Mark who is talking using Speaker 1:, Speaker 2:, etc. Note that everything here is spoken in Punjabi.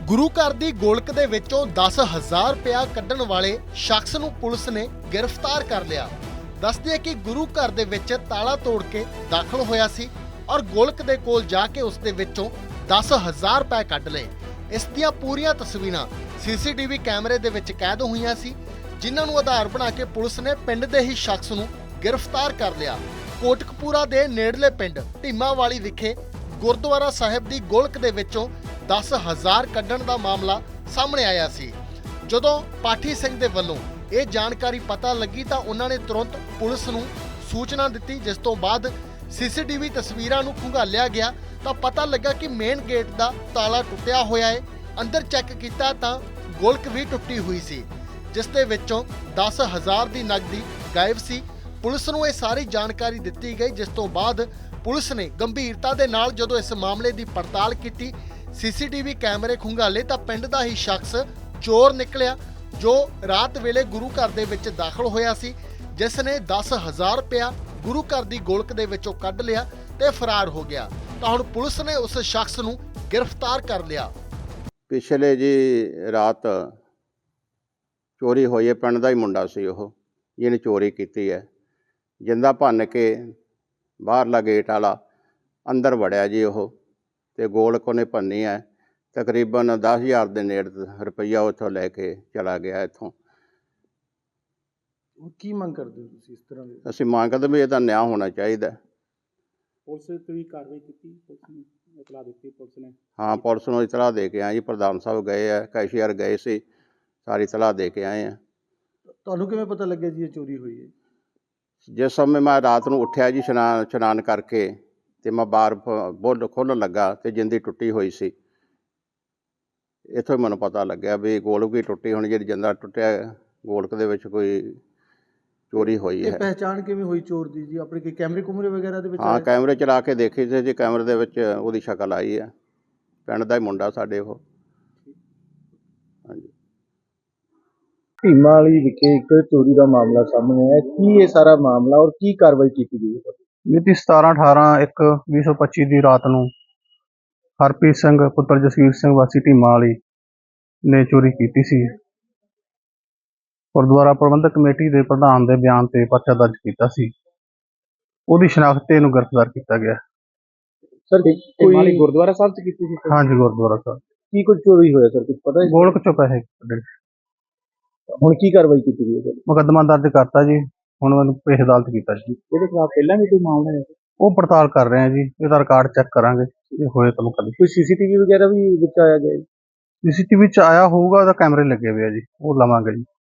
Speaker 1: ਗੁਰੂ ਘਰ ਦੀ ਗੋਲਕ ਦੇ ਵਿੱਚੋਂ 10,000 ਰੁਪਇਆ ਕੱਢਣ ਵਾਲੇ ਸ਼ਖਸ ਨੂੰ ਪੁਲਿਸ ਨੇ ਗ੍ਰਿਫਤਾਰ ਕਰ ਲਿਆ। ਦੱਸਦੇ ਹੈ ਕਿ ਗੁਰੂ ਘਰ ਦੇ ਵਿੱਚ ਤਾਲਾ ਤੋੜ ਕੇ ਦਾਖਲ ਹੋਇਆ ਸੀ ਔਰ ਗੋਲਕ ਦੇ ਕੋਲ ਜਾ ਕੇ ਉਸ ਦੇ ਵਿੱਚੋਂ 10,000 ਰੁਪਏ ਕੱਢ ਲਏ। ਇਸ ਦੀਆਂ ਪੂਰੀਆਂ ਤਸਵੀਰਾਂ ਸੀਸੀਟੀਵੀ ਕੈਮਰੇ ਦੇ ਵਿੱਚ ਕੈਦ ਹੋਈਆਂ ਸੀ, ਜਿਨ੍ਹਾਂ ਨੂੰ ਆਧਾਰ ਬਣਾ ਕੇ ਪੁਲਿਸ ਨੇ ਪਿੰਡ ਦੇ ਹੀ ਸ਼ਖਸ ਨੂੰ ਗ੍ਰਿਫਤਾਰ ਕਰ ਲਿਆ। ਕੋਟਕਪੂਰਾ ਦੇ ਨੇੜਲੇ ਪਿੰਡ ਢੀਮਾਵਾਲੀ ਵਿਖੇ ਗੁਰਦੁਆਰਾ ਸਾਹਿਬ ਦੀ ਗੋਲਕ ਦੇ ਵਿੱਚੋਂ 10,000 ਕੱਢਣ ਦਾ ਮਾਮਲਾ ਸਾਹਮਣੇ ਆਇਆ ਸੀ। ਜਦੋਂ ਪਾਠੀ ਸਿੰਘ ਦੇ ਵੱਲੋਂ ਇਹ ਜਾਣਕਾਰੀ ਪਤਾ ਲੱਗੀ ਤਾਂ ਉਹਨਾਂ ਨੇ ਤੁਰੰਤ ਪੁਲਿਸ ਨੂੰ ਸੂਚਨਾ ਦਿੱਤੀ, ਜਿਸ ਤੋਂ ਬਾਅਦ ਸੀਸੀਟੀਵੀ ਤਸਵੀਰਾਂ ਨੂੰ ਖੰਗਾਲਿਆ ਗਿਆ ਤਾਂ ਪਤਾ ਲੱਗਾ ਕਿ ਮੇਨ ਗੇਟ ਦਾ ਤਾਲਾ ਟੁੱਟਿਆ ਹੋਇਆ ਹੈ। ਅੰਦਰ ਚੈੱਕ ਕੀਤਾ ਤਾਂ ਗੋਲਕ ਵੀ ਟੁੱਟੀ ਹੋਈ ਸੀ, ਜਿਸ ਦੇ ਵਿੱਚੋਂ 10,000 ਦੀ ਨਕਦੀ ਗਾਇਬ ਸੀ। ਪੁਲਿਸ ਨੂੰ ਇਹ ਸਾਰੀ ਜਾਣਕਾਰੀ ਦਿੱਤੀ ਗਈ, ਜਿਸ ਤੋਂ ਬਾਅਦ ਪੁਲਿਸ ਨੇ ਗੰਭੀਰਤਾ ਦੇ ਨਾਲ ਜਦੋਂ ਇਸ ਮਾਮਲੇ ਦੀ ਪੜਤਾਲ ਕੀਤੀ, ਸੀਸੀਟੀਵੀ ਕੈਮਰੇ ਖੰਗਾਲੇ ਤਾਂ ਪਿੰਡ ਦਾ ਹੀ ਸ਼ਖਸ ਚੋਰ ਨਿਕਲਿਆ, ਜੋ ਰਾਤ ਵੇਲੇ ਗੁਰੂ ਘਰ ਦੇ ਵਿੱਚ ਦਾਖਲ ਹੋਇਆ ਸੀ, ਜਿਸ ਨੇ 10,000 ਰੁਪਇਆ ਗੁਰੂ ਘਰ ਦੀ ਗੋਲਕ ਦੇ ਵਿੱਚੋਂ ਕੱਢ ਲਿਆ ਤੇ ਫਰਾਰ ਹੋ ਗਿਆ। ਤਾਂ ਹੁਣ ਪੁਲਿਸ ਨੇ ਉਸ ਸ਼ਖਸ ਨੂੰ ਗ੍ਰਿਫਤਾਰ ਕਰ ਲਿਆ।
Speaker 2: ਪਿਛਲੇ ਜੀ ਰਾਤ ਚੋਰੀ ਹੋਈ ਹੈ। ਪਿੰਡ ਦਾ ਹੀ ਮੁੰਡਾ ਸੀ ਉਹ, ਜਿਹਨੇ ਚੋਰੀ ਕੀਤੀ ਹੈ। ਜਿੰਦਾ ਭੰਨ ਕੇ ਬਾਹਰਲਾ ਗੇਟ ਵਾਲਾ ਅੰਦਰ ਵੜਿਆ ਜੀ ਉਹ, ਤੇ ਗੋਲਕ ਉਹਨੇ ਭੰਨੀ ਹੈ। ਤਕਰੀਬਨ 10,000 ਦੇ ਨੇੜੇ ਰੁਪਈਆ ਉੱਥੋਂ ਲੈ ਕੇ ਚਲਾ ਗਿਆ ਇੱਥੋਂ।
Speaker 3: ਕੀ ਮੰਗ ਕਰਦੇ ਹੋ ਤੁਸੀਂ ਇਸ ਤਰ੍ਹਾਂ ਦੇ?
Speaker 2: ਅਸੀਂ ਮੰਗ ਕਰਦੇ ਵੀ ਇਹਦਾ ਨਿਆਂ ਹੋਣਾ ਚਾਹੀਦਾ।
Speaker 3: ਪੁਲਿਸ ਤੇ ਵੀ ਕਾਰਵਾਈ ਕੀਤੀ, ਪੁਲਿਸ ਨੂੰ ਇਤਲਾਹ ਦਿੱਤੀ ਪੁਲਿਸ ਨੇ?
Speaker 2: ਹਾਂ, ਪੁਲਿਸ ਨੂੰ ਇਤਲਾਹ ਦੇ ਕੇ ਆਏ ਜੀ। ਪ੍ਰਧਾਨ ਸਾਹਿਬ ਗਏ ਆ, ਕੈਸ਼ੀਅਰ ਗਏ ਸੀ, ਸਾਰੀ ਇਤਲਾਹ ਦੇ ਕੇ ਆਏ ਆ।
Speaker 3: ਤੁਹਾਨੂੰ ਕਿਵੇਂ ਪਤਾ ਲੱਗਿਆ ਜੀ ਇਹ ਚੋਰੀ ਹੋਈ ਹੈ?
Speaker 2: ਜਿਸ ਸਮੇਂ ਮੈਂ ਰਾਤ ਨੂੰ ਉੱਠਿਆ ਜੀ ਇਸ਼ਨਾਨ ਕਰਕੇ, ਤੇ ਮੈਂ ਬਾਹਰ ਬੁੱਲ ਖੋਲ੍ਹਣ ਲੱਗਾ ਤੇ ਜਿੰਦੀ ਟੁੱਟੀ ਹੋਈ ਸੀ। ਇੱਥੋਂ ਹੀ ਮੈਨੂੰ ਪਤਾ ਲੱਗਿਆ ਵੀ ਗੋਲਕ ਵੀ ਟੁੱਟੀ ਹੋਣੀ, ਜਿਹੜੀ ਜਿੰਦਾ ਟੁੱਟਿਆ ਗੋਲਕ ਦੇ ਵਿੱਚ ਕੋਈ ਚੋਰੀ ਹੋਈ ਹੈ।
Speaker 3: ਪਹਿਚਾਣ ਕਿਵੇਂ ਹੋਈ ਚੋਰ ਦੀ ਜੀ? ਆਪਣੇ ਕੋਈ ਕੈਮਰੇ ਕੁਮਰੇ ਵਗੈਰਾ ਦੇ ਵਿੱਚ?
Speaker 2: ਹਾਂ, ਕੈਮਰੇ ਚਲਾ ਕੇ ਦੇਖੀ ਸੀ ਜੀ, ਕੈਮਰੇ ਦੇ ਵਿੱਚ ਉਹਦੀ ਸ਼ਕਲ ਆਈ ਹੈ। ਪਿੰਡ ਦਾ ਹੀ ਮੁੰਡਾ ਸਾਡੇ ਉਹ। ਹਾਂਜੀ।
Speaker 3: ਢੀਮਾਵਾਲੀ ਵਿਖੇ ਇੱਕ ਚੋਰੀ ਦਾ ਮਾਮਲਾ ਸਾਹਮਣੇ ਆਇਆ। ਕੀ ਇਹ ਸਾਰਾ ਮਾਮਲਾ ਔਰ ਕੀ ਕਾਰਵਾਈ ਕੀਤੀ ਗਈ ਹੈ?
Speaker 4: ਮਿਤੀ 17/18/1/2025 ਦੀ ਰਾਤ ਨੂੰ ਹਰਪ੍ਰੀਤ ਸਿੰਘ ਪੁੱਤਰ ਜਸਵੀਰ ਸਿੰਘ ਵਾਸੀ ਢੀਮਾਵਾਲੀ ਨੇ ਚੋਰੀ ਕੀਤੀ ਸੀ। ਗੁਰਦੁਆਰਾ ਪ੍ਰਬੰਧਕ ਕਮੇਟੀ ਦੇ ਪ੍ਰਧਾਨ ਦੇ ਬਿਆਨ ਤੇ ਪਰਚਾ ਦਰਜ ਕੀਤਾ ਸੀ। ਉਹਦੀ ਸ਼ਨਾਖਤ ਤੇ ਇਹਨੂੰ ਗ੍ਰਿਫਤਾਰ ਕੀਤਾ ਗਿਆ।
Speaker 3: ਸਰ ਕੋਈ ਗੁਰਦੁਆਰਾ ਸਾਹਿਬ ਚ ਕੀਤੀ ਸੀ?
Speaker 4: ਹਾਂਜੀ, ਗੁਰਦੁਆਰਾ ਸਾਹਿਬ।
Speaker 3: ਕੀ ਕੁਝ ਚੋਰੀ ਹੋਇਆ ਸਰ, ਕੁਝ ਪਤਾ ਹੈ?
Speaker 4: ਗੋਲਕ ਚੋਂ ਪੈਸੇ ਕੱਢੇ।
Speaker 3: ਹੁਣ ਕੀ ਕਾਰਵਾਈ ਕੀਤੀ ਗਈ ਹੈ?
Speaker 4: ਮੁਕੱਦਮਾ ਦਰਜ ਕਰਤਾ ਜੀ, ਹੁਣ ਉਹਨੂੰ ਪੇਸ਼ ਅਦਾਲਤ ਕੀਤਾ ਜੀ।
Speaker 3: ਇਹਦੇ ਖਿਲਾਫ ਪਹਿਲਾਂ ਵੀ ਕੋਈ ਮਾਮਲਾ ਹੈ?
Speaker 4: ਉਹ ਪੜਤਾਲ ਕਰ ਰਹੇ ਆ ਜੀ, ਇਹਦਾ ਰਿਕਾਰਡ ਚੈੱਕ ਕਰਾਂਗੇ ਜੇ ਹੋਏ ਤਾਂ ਮੁਕੱਦਮਾ।
Speaker 3: ਕੋਈ ਸੀਸੀਟੀਵੀ ਵਗੈਰਾ ਵੀ ਵਿੱਚ ਆਇਆ ਗਿਆ?
Speaker 4: ਸੀਸੀਟੀਵੀ 'ਚ ਆਇਆ ਹੋਊਗਾ, ਉਹਦਾ ਕੈਮਰੇ ਲੱਗੇ ਹੋਏ ਆ ਜੀ, ਉਹ ਲਵਾਂਗੇ ਜੀ।